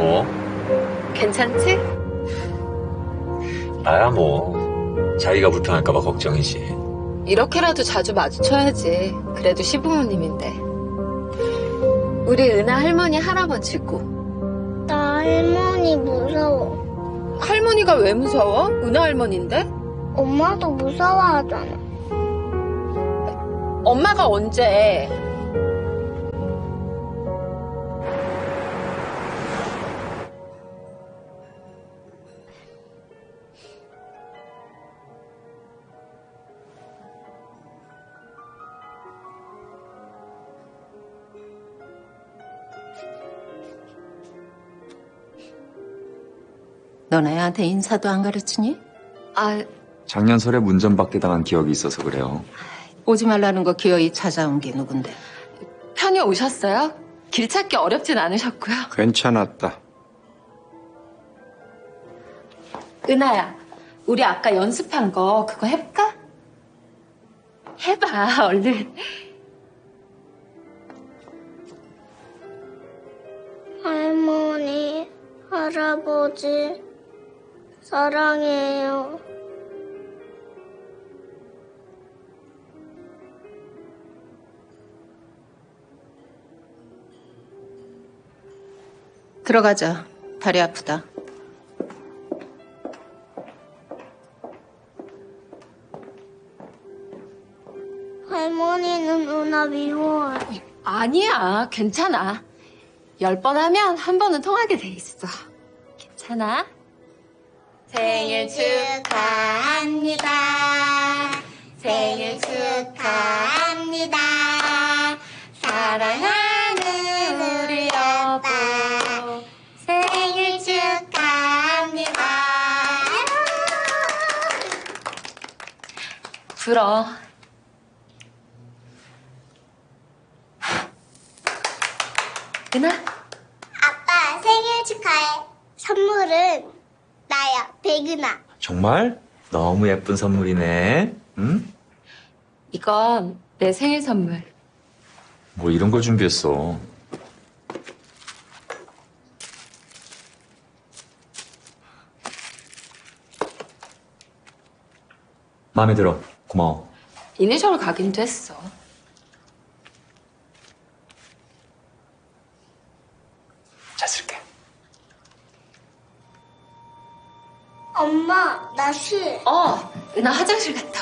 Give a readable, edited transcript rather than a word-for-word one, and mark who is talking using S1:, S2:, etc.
S1: 뭐?
S2: 괜찮지?
S1: 나야 뭐. 자기가 불편할까봐 걱정이지.
S2: 이렇게라도 자주 마주쳐야지. 그래도 시부모님인데. 우리 은하 할머니 할아버지고.
S3: 나 할머니 무서워.
S2: 할머니가 왜 무서워? 은하 할머니인데?
S3: 엄마도 무서워하잖아.
S2: 엄마가 언제?
S4: 넌 애한테 인사도 안 가르치니?
S2: 아,
S5: 작년 설에 문전박대 당한 기억이 있어서 그래요.
S4: 오지 말라는 거 기어이 찾아온 게 누군데?
S2: 편히 오셨어요? 길 찾기 어렵진 않으셨고요.
S6: 괜찮았다.
S2: 은하야, 우리 아까 연습한 거 그거 해볼까? 해봐, 얼른.
S3: 할머니, 할아버지, 사랑해요.
S4: 들어가자. 다리 아프다.
S3: 할머니는 은하 미워해.
S2: 아니야, 괜찮아. 10번 하면 한 번은 통하게 돼 있어. 괜찮아? 생일 축하합니다. 생일 축하합니다. 사랑하는 우리 여보. 생일 축하합니다. 불어. 은하?
S3: 아빠 생일 축하해. 선물은 나야, 백은하.
S5: 정말? 너무 예쁜 선물이네. 응?
S2: 이건 내 생일 선물.
S5: 뭐 이런 걸 준비했어. 마음에 들어. 고마워.
S2: 이니셜 가긴도 했어.
S5: 잘 쓸게.
S3: 엄마, 나 쉬.
S2: 은하 화장실 갔다